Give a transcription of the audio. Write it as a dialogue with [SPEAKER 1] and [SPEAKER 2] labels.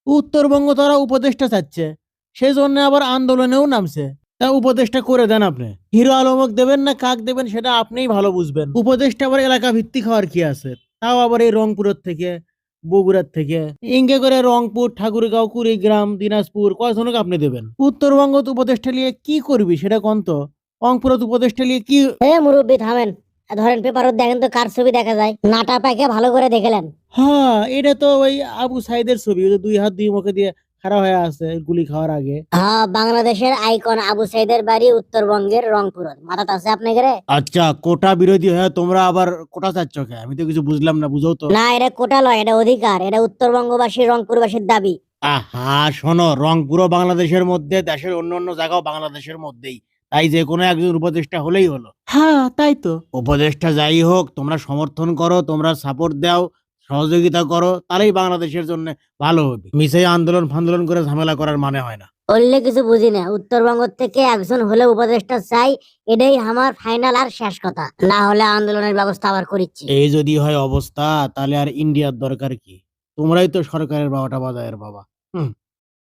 [SPEAKER 1] উত্তরবঙ্গ তারা উপদেষ্টা চাচ্ছে, সেই জন্য আবার আন্দোলনেও নামছে। তা উপদেষ্টা করে দেন আপনি। হিরো আলমক দেবেন না কাক দেবেন সেটা আপনিই ভালো বুঝবেন। উপদেষ্টা আবার এলাকা ভিত্তিক হওয়ার কি আছে? তাও আবার এই রংপুরের থেকে, বগুড়ার থেকে, ইঙ্গে করে রংপুর, ঠাকুরগাঁও, কুড়িগ্রাম, দিনাজপুর কয়জনকে আপনি দেবেন? উত্তরবঙ্গ উপদেষ্টা নিয়ে কি করবি সেটা কোন তো? রংপুরত উপদেষ্টা নিয়ে কি?
[SPEAKER 2] মুরব্বী থামেন, ধরেন পেপারত দেখেন তো কার ছবি দেখা যায়, নাটা প্যাকে ভালো করে দেখলেন।
[SPEAKER 1] হ্যাঁ, এটা তো ওই আবু সাইদের ছবি, ওই যে দুই হাত দুই মুখে দিয়ে খাড়া হয়ে আছে গুলি খাওয়ার আগে।
[SPEAKER 2] হ্যাঁ, বাংলাদেশের আইকন আবু সাইদের বাড়ি উত্তরবঙ্গের রংপুর। মাথাত আছে আপনাদের?
[SPEAKER 1] আচ্ছা, কোটা বিরোধী হয়ে তোমরা আবার কোটা চাচ্ছ কে? আমি তো কিছু বুঝলাম না, বুঝাও তো।
[SPEAKER 2] না, এটা কোটা লয়, এটা অধিকার। এটা উত্তরবঙ্গবাসী রংপুরবাসীর দাবি।
[SPEAKER 1] আহা শোনো, রংপুরও বাংলাদেশের মধ্যে, দেশের অন্য অন্য জায়গাও বাংলাদেশের মধ্যেই, তাই যে কোনো একজন উপদেষ্টা হলেই হলো। হ্যাঁ তাই তো, উপদেষ্টা যাই হোক তোমরা সমর্থন করো, তোমরা সাপোর্ট দাও, সহযোগিতা করো, তাহলেই বাংলাদেশের জন্য ভালো হবে। মিশে আন্দোলন ফান্দোলন করে ঝামেলা করার মানে হয় না।
[SPEAKER 2] বললে কিছু বুঝি না, উত্তরবঙ্গ থেকে একজন হলে উপদেষ্টা চাই, এটাই আমার ফাইনাল আর শেষ কথা। না হলে আন্দোলনের ব্যবস্থা আবার করিচ্ছি।
[SPEAKER 1] এই যদি হয় অবস্থা, তাহলে আর ইন্ডিয়ার দরকার কি? তোমরাই তো সরকারের বাবাটা বাজায়ের বাবা। হুম।